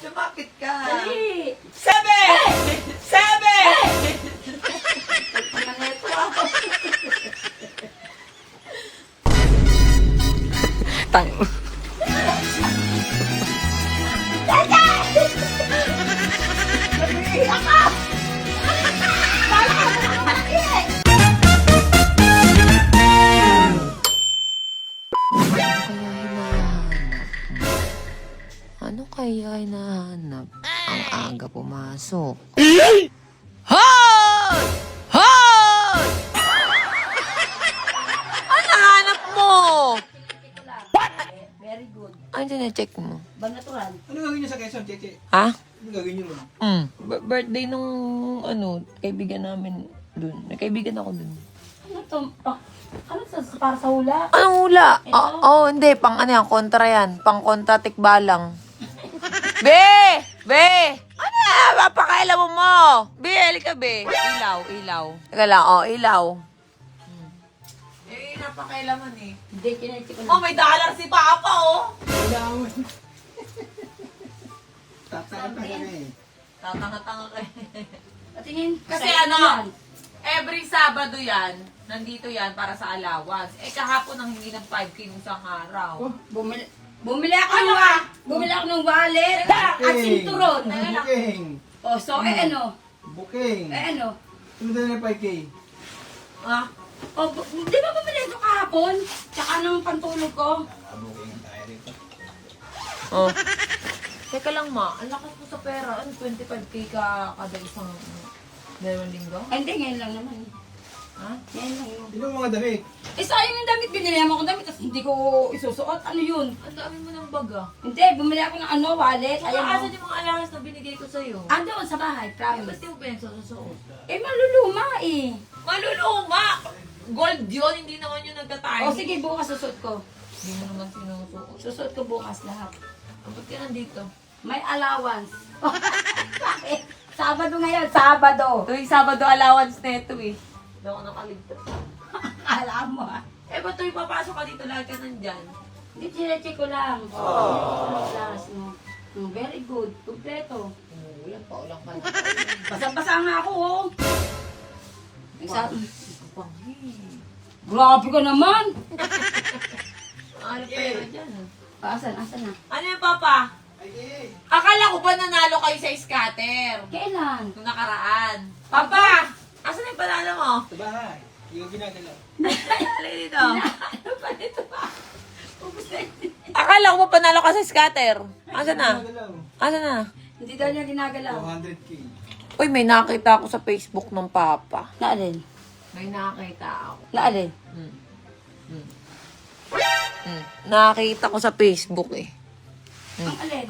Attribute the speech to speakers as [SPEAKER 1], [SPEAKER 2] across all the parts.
[SPEAKER 1] Lumakit ka.
[SPEAKER 2] Dali!
[SPEAKER 1] 7! 7!
[SPEAKER 2] Pagpananeto ako.
[SPEAKER 3] Tang. Ano kaya hinahanap? Ang aga pumasok. Hoy! Hoy! Ano hanap mo?
[SPEAKER 2] Very good.
[SPEAKER 3] Ano na-check mo?
[SPEAKER 2] Bang natural.
[SPEAKER 1] Ano gagawin niyo sa Quezon, Cheche?
[SPEAKER 3] Ha?
[SPEAKER 1] Ano gagawin niyo mo?
[SPEAKER 3] Birthday nung kaibigan namin dun. May kaibigan ako dun.
[SPEAKER 2] Ano to? Ano to? Para sa hula?
[SPEAKER 3] Anong hula?
[SPEAKER 2] Ito?
[SPEAKER 3] Hindi. Pang ano yan, kontra yan. Pang kontra tikbalang. Be! Be! Ano yan? Papakailan mo! Be, halika be. Ilaw. Teka lang, ilaw. Napakailaman eh.
[SPEAKER 2] Hindi, kinechi ko
[SPEAKER 3] Oh,
[SPEAKER 2] lang.
[SPEAKER 3] may dollar si Papa, oh!
[SPEAKER 1] Kailangan. Tatanga ka eh.
[SPEAKER 3] Tatanga-tanga kayo.
[SPEAKER 2] Patingin.
[SPEAKER 3] Kasi
[SPEAKER 2] Sa'yo
[SPEAKER 3] ano,
[SPEAKER 2] yan.
[SPEAKER 3] every Sabado yan, nandito yan para sa allowance. Kahapon ang hindi ng 5K nung isang araw.
[SPEAKER 2] Bumili ako ng wallet at sinturon.
[SPEAKER 1] Booking.
[SPEAKER 2] Oh, so, ano?
[SPEAKER 1] Booking.
[SPEAKER 2] Ano?
[SPEAKER 1] Ano na yung 5K?
[SPEAKER 3] Ah,
[SPEAKER 2] Oh, di ba bumili ito kahapon? Tsaka ng pantulog ko.
[SPEAKER 1] Booking tayo rito.
[SPEAKER 3] oh. Teka lang ma, ang lakas mo sa pera. Ano, 25K ka kada isang dalawang linggo?
[SPEAKER 2] Ay, hindi, ngayon lang naman.
[SPEAKER 3] Ha?
[SPEAKER 2] Ngayon lang yun.
[SPEAKER 1] Sino ang mga damit?
[SPEAKER 2] Eh, sayang yung damit. Binili mo akong damit, tapos hindi ko isusuot. Ano yun?
[SPEAKER 3] Ang dami mo ng baga.
[SPEAKER 2] Hindi, bumili ako ng wallet.
[SPEAKER 3] Saka
[SPEAKER 2] Ayan
[SPEAKER 3] asan
[SPEAKER 2] mo.
[SPEAKER 3] yung mga allowance na binigay ko sa'yo?
[SPEAKER 2] Andoon sa bahay,
[SPEAKER 3] Ay,
[SPEAKER 2] promise.
[SPEAKER 3] ba't di mo pinagsusuot?
[SPEAKER 2] Eh, maluluma eh.
[SPEAKER 3] Maluluma! Gold yun, hindi naman yung nagtatay.
[SPEAKER 2] O, sige, bukas susuot ko.
[SPEAKER 3] Hindi mo naman sinusuot.
[SPEAKER 2] Susuot ko bukas lahat.
[SPEAKER 3] Ba't ka nandito?
[SPEAKER 2] May allowance. Bakit? Sabado ngayon, Sabado.
[SPEAKER 3] Tuwing Sabado allowance na ito eh. Hindi ako nakaligtas.
[SPEAKER 2] Alam mo ah.
[SPEAKER 3] Eh, ba't tuwing papasok ka dito, lagi ka nandyan?
[SPEAKER 2] Hindi, chinecheck ko lang. Ano class mo? Very good. Kompleto.
[SPEAKER 3] Ulan pa, ulang ka.
[SPEAKER 2] Basang-basa nga ako, oh.
[SPEAKER 3] Panghi.
[SPEAKER 2] Grabe ka naman.
[SPEAKER 3] Ano pera dyan?
[SPEAKER 2] Asan na?
[SPEAKER 3] Ano yan, Papa?
[SPEAKER 1] Ay,
[SPEAKER 3] Akala ko ba nanalo kayo sa scatter?
[SPEAKER 2] Kailan?
[SPEAKER 3] Nung nakaraan. Papa! Asan yung panalo mo?
[SPEAKER 1] sa bahay. Yung ginagalaw.
[SPEAKER 3] Alay dito.
[SPEAKER 2] Ano pa dito ba? Ubus na yun.
[SPEAKER 3] Akala ko ba panalo ka sa scatter? Asan na?
[SPEAKER 1] Ginagalaw.
[SPEAKER 3] Asan na?
[SPEAKER 2] Hindi daw niya ginagalaw.
[SPEAKER 1] 200K.
[SPEAKER 3] Uy, may nakita ako sa Facebook ng Papa.
[SPEAKER 2] Naalin?
[SPEAKER 3] May nakita ako.
[SPEAKER 2] Naalin?
[SPEAKER 3] Nakita ko sa Facebook eh.
[SPEAKER 2] Ang alin?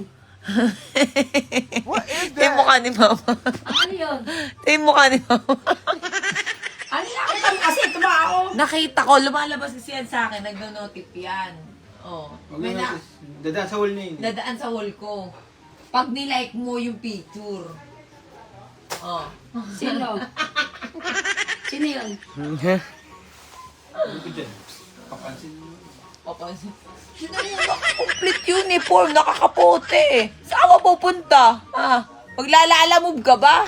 [SPEAKER 3] Ito yung mukha ni Mama.
[SPEAKER 2] Ang ano yun?
[SPEAKER 3] Ito yung mukha ni Mama.
[SPEAKER 2] Ano nakita mo kasi? Ito ba ako?
[SPEAKER 3] Nakita ko, lumalabas kasi yan sa akin. Nagno-notif yan. Oh. May na,
[SPEAKER 1] Dada sa wall na yun.
[SPEAKER 3] dadaan sa wall ko. Pag nilike mo yung picture. Oh.
[SPEAKER 2] Sino? Sino yun?
[SPEAKER 1] Ano ko dyan? Papansin mo.
[SPEAKER 3] Papansin. Sino yung naka-complete uniform, nakakapote. Saan ka pupunta? Ha? Maglalaalamove ka ba?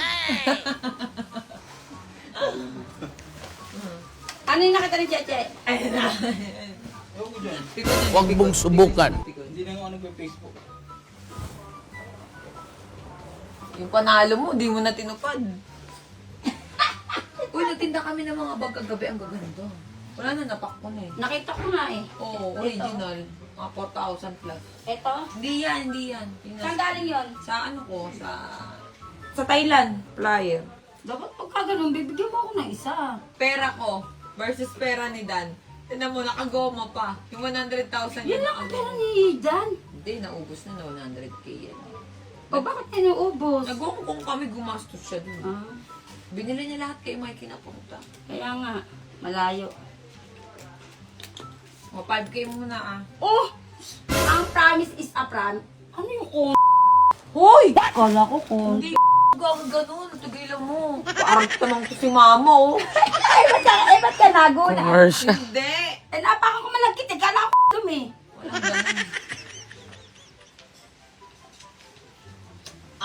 [SPEAKER 2] Ano yung nakita ni Cheche?
[SPEAKER 3] Ayun na.
[SPEAKER 1] Ano ko dyan?
[SPEAKER 4] Huwag mong subukan.
[SPEAKER 1] Hindi na nga ano ko yung Facebook.
[SPEAKER 3] Yung panalo mo, di mo na tinupad. Uy, nagtinda kami ng mga bag kagabi. Ang gaganda. Wala na, napak ko na eh.
[SPEAKER 2] Nakita ko nga eh.
[SPEAKER 3] Oo, original. Mga 4,000 plus.
[SPEAKER 2] Ito?
[SPEAKER 3] Hindi yan.
[SPEAKER 2] Saan galing yun?
[SPEAKER 3] Sa ano ko, sa Thailand, flyer.
[SPEAKER 2] Dapat pagka ganun, bibigyan mo ako ng isa.
[SPEAKER 3] Pera ko versus pera ni Dan. Tinan mo, nakagoma pa. Yung 100,000
[SPEAKER 2] Yan lang ang pera ni Dan.
[SPEAKER 3] Hindi, naubos na 100K yan.
[SPEAKER 2] O bakit ninuubos?
[SPEAKER 3] Nag-Hong kami, gumastos siya dun.
[SPEAKER 2] Ah,
[SPEAKER 3] Binili niya lahat kay Mikey na punta.
[SPEAKER 2] kaya nga, malayo.
[SPEAKER 3] O, 5K muna ah.
[SPEAKER 2] Oh! Ang promise is a promise. Ano yung kung?
[SPEAKER 3] Hoy!
[SPEAKER 2] Kala ko kung.
[SPEAKER 3] Hindi gawin ganun. Tigilan mo. Parang tanong ko si mama oh.
[SPEAKER 2] Ba't ka nagulat?
[SPEAKER 4] Commercial.
[SPEAKER 3] Hindi.
[SPEAKER 2] Eh, napaka ko malagkit. Eh, kala ko dumi.
[SPEAKER 3] Walang ganun.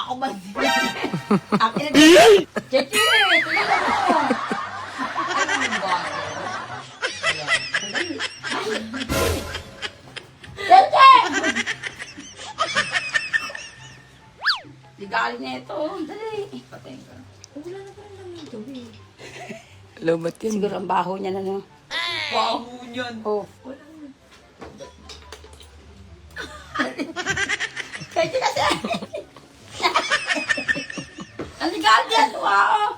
[SPEAKER 2] ako ba? Akin na Cheche, tulungan mo.
[SPEAKER 3] Ano yung ba?
[SPEAKER 2] Cheche! Ligali na ito. Dali.
[SPEAKER 1] Patayin ka.
[SPEAKER 2] Wala na parang naman ito eh.
[SPEAKER 3] Lobat yan.
[SPEAKER 2] Siguro ang baho niya na no.
[SPEAKER 3] Baho niyan.
[SPEAKER 2] Oh. Cheche kasi. Ang ligali yan. Wow.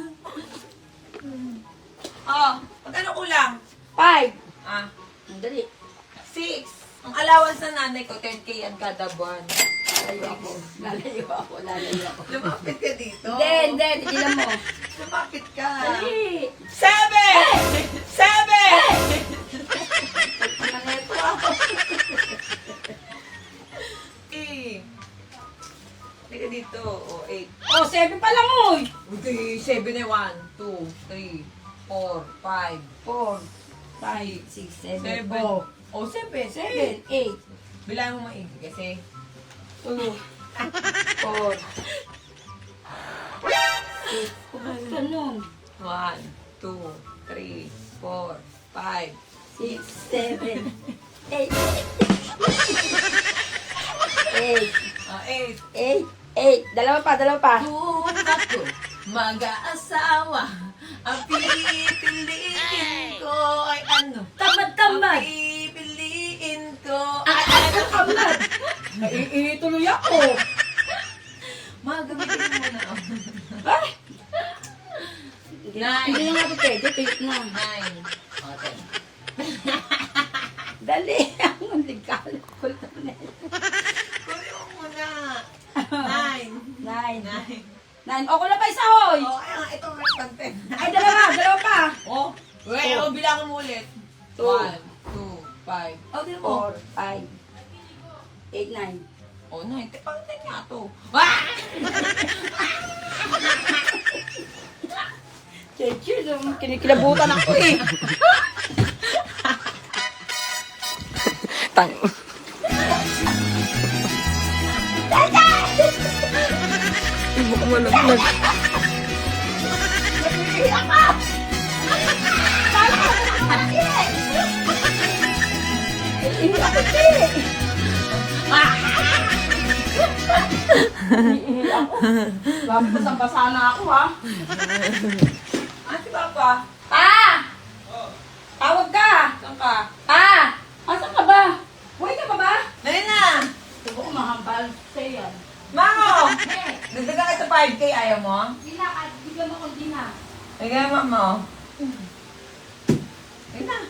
[SPEAKER 3] Oh, magkano kulang?
[SPEAKER 2] 5.
[SPEAKER 3] Ah,
[SPEAKER 2] Dali.
[SPEAKER 3] 6. Ang allowance ng nanay ko, 10K yan kada buwan.
[SPEAKER 2] Lalayo ako.
[SPEAKER 3] Lumapit ka dito.
[SPEAKER 2] Hindi. Tigilan mo.
[SPEAKER 3] Lumapit ka.
[SPEAKER 2] Dali.
[SPEAKER 3] 7! 7!
[SPEAKER 2] Ano na ito ako?
[SPEAKER 3] Hindi ka dito. O, 8.
[SPEAKER 2] Oh, 7 pa lang oy.
[SPEAKER 3] Hindi, 7 na 1, 2, 3, 4, 5,
[SPEAKER 2] 4, 5, 6, 7,
[SPEAKER 3] 7.
[SPEAKER 2] 4,
[SPEAKER 3] O, 7.
[SPEAKER 2] 7, 8,
[SPEAKER 3] Bilang mo maigi kasi.
[SPEAKER 2] 2, 4, 6. Ganun.
[SPEAKER 3] 1, 2, 3, 4, 5.
[SPEAKER 2] 6, 7, 8. 8,
[SPEAKER 3] Ah, 8.
[SPEAKER 2] 8. Dalawa pa.
[SPEAKER 3] Kung ako mag-aasawa, ang pipiliin ko ay ano? Ang
[SPEAKER 2] Tamad.
[SPEAKER 3] pipiliin ko
[SPEAKER 2] Ay, kamad. Tuloy ako.
[SPEAKER 3] Magamitin mo na ako.
[SPEAKER 2] Ay.
[SPEAKER 3] Nine.
[SPEAKER 2] Hindi na nga ito pwede. Tuyot na.
[SPEAKER 3] 9. Okay.
[SPEAKER 2] Dali. Ang ligal.
[SPEAKER 3] Kunin mo muna. 9.
[SPEAKER 2] 9.
[SPEAKER 3] 9.
[SPEAKER 2] O, kulang pa isa, hoy.
[SPEAKER 3] Oh, kaya nga, ito may content.
[SPEAKER 2] Ay, dalawa pa.
[SPEAKER 3] Oh, wait, oh, bilangan mo ulit. 1, 2, 5.
[SPEAKER 2] O, 4, 5, 8, 9.
[SPEAKER 3] Oh, 9. Pang-10 nga to. Ah!
[SPEAKER 2] Cheche, kinikilabutan ako eh.
[SPEAKER 3] Tang. Ibu ko malaglag.
[SPEAKER 2] Hindi ako, che. Basa na ako, ha?
[SPEAKER 3] Ate Papa.
[SPEAKER 2] Pa! Tawag ka!
[SPEAKER 3] Saan ka?
[SPEAKER 2] Pa! Asan ka ba? Buhay ka pa ba?
[SPEAKER 3] Dali na.
[SPEAKER 2] Subo ko mahambal sa'yo yan.
[SPEAKER 3] Mamo!
[SPEAKER 2] Eh,
[SPEAKER 3] Dagdagan ka sa 5K, ayaw mo?
[SPEAKER 2] hindi na, bigyan mo konti na.
[SPEAKER 3] Bigyan mo, Mamo. Ayun na.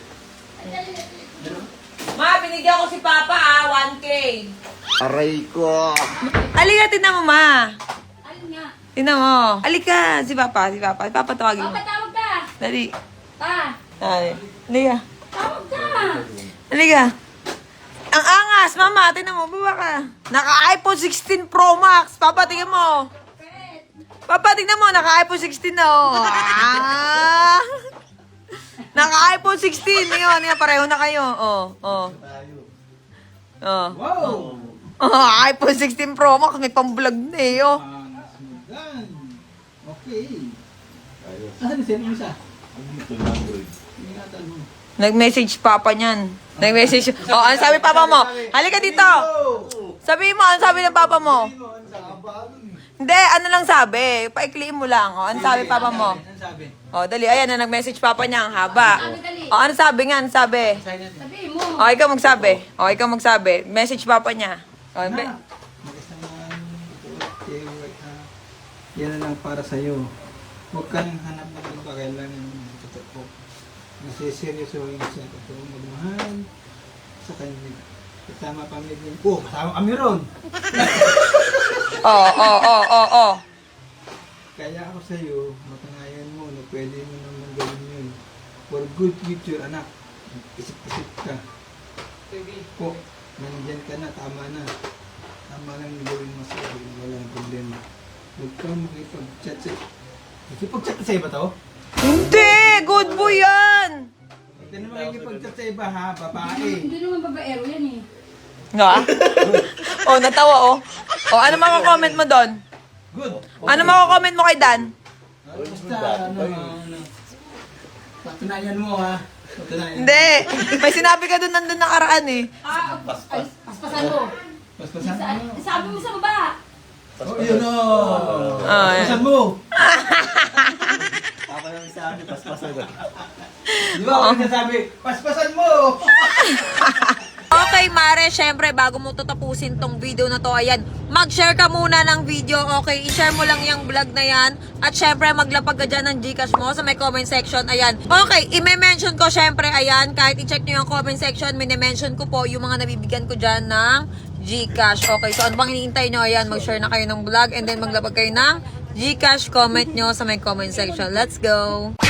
[SPEAKER 3] Ma, binigyan ko si Papa 1K.
[SPEAKER 1] Aray ko.
[SPEAKER 3] Halika, tinan mo, Ma.
[SPEAKER 2] Alin nga?
[SPEAKER 3] Tinan mo. Halika, si Papa. Si Papa tawagin mo.
[SPEAKER 2] Papa, tawag ka!
[SPEAKER 3] Dali.
[SPEAKER 2] Pa!
[SPEAKER 3] Dali. Halika.
[SPEAKER 2] Tawag ka!
[SPEAKER 3] Halika. Ang angas, Mama. Tinan mo, baba ka. Naka-iPhone 16 Pro Max. Papa, tingnan mo. Papa, tingnan mo. Naka-iPhone 16 na, oh. Ah! Naka-iPhone 16. Ngayon, pareho na kayo. Oh.
[SPEAKER 1] Wow!
[SPEAKER 3] Oh, iPhone 16 Pro Max. May pang-vlog na eh, oh.
[SPEAKER 1] Smugan. Okay. Saan mo siya? Ingatan mo.
[SPEAKER 3] Nag-message Papa niyan. Nag-message. Oh, ano sabi Papa mo? Halika dito. Sabi mo, ano sabi ng Papa mo? Hindi, ano lang sabi. Paikliin mo lang. Oh, ano sabi Papa mo?
[SPEAKER 1] Ano sabi?
[SPEAKER 3] Oh, dali. Ayan na, nag-message Papa niya. Ang haba.
[SPEAKER 2] Dali.
[SPEAKER 3] Oh, ano sabi nga? Ano sabi?
[SPEAKER 1] Sign natin.
[SPEAKER 2] Sabihin mo.
[SPEAKER 3] Oh, ikaw magsabi. Oh, ikaw magsabi. Message Papa niya. Oh,
[SPEAKER 1] Magasaman. Okay, yan na lang para sa'yo. Huwag ka nang hanap ng iba. Kailangan yung totoo. Nasiseryosohin siya. Totoo magmahal sa kanya. Kasama pamilya. Oh, kasama kami ron.
[SPEAKER 3] oh.
[SPEAKER 1] Kaya ako sa'yo, matunayan mo na pwede mo naman gawin yun. For good future, anak. Isip-isip ka. Po, nandyan ka na, tama na. Tama lang yung gawin mo sa'yo, walang problema. Huwag kang makipag-chat sa... Makipag-chat ka sa iba to?
[SPEAKER 3] Hindi! Good boy yan!
[SPEAKER 1] Huwag ka na makipag-chat sa iba ha, babae.
[SPEAKER 2] Hindi naman babaero yan eh.
[SPEAKER 3] Nga? Oh, natawa oh. Oh, ano mga comment mo doon?
[SPEAKER 1] Good.
[SPEAKER 3] Ano mako-comment mo kay Dan?
[SPEAKER 1] Basta, patunayan mo ha. Patunayan.
[SPEAKER 3] Hindi. May sinabi ka doon nandun nakaraan eh.
[SPEAKER 2] Paspasan mo.
[SPEAKER 1] Paspasan mo.
[SPEAKER 2] Sabi mo sa baba.
[SPEAKER 1] Oh, yun o.
[SPEAKER 3] Oh, yan.
[SPEAKER 1] Paspasan mo.
[SPEAKER 4] Ako lang sabi, paspasan ko.
[SPEAKER 1] Di ba ako nasabi, paspasan mo.
[SPEAKER 3] Okay, Mare, syempre, bago mo tatapusin tong video na to, ayan, mag-share ka muna ng video, okay? I-share mo lang yung vlog na yan. At syempre, maglapag ka dyan ng Gcash mo sa may comment section, ayan. Okay, i-mention ko syempre, ayan, kahit i-check nyo yung comment section, mini-mention ko po yung mga nabibigyan ko dyan ng Gcash. Okay, so ano bang hinihintay nyo? Ayan, mag-share na kayo ng vlog and then maglapag kayo ng Gcash, comment nyo sa may comment section. Let's go!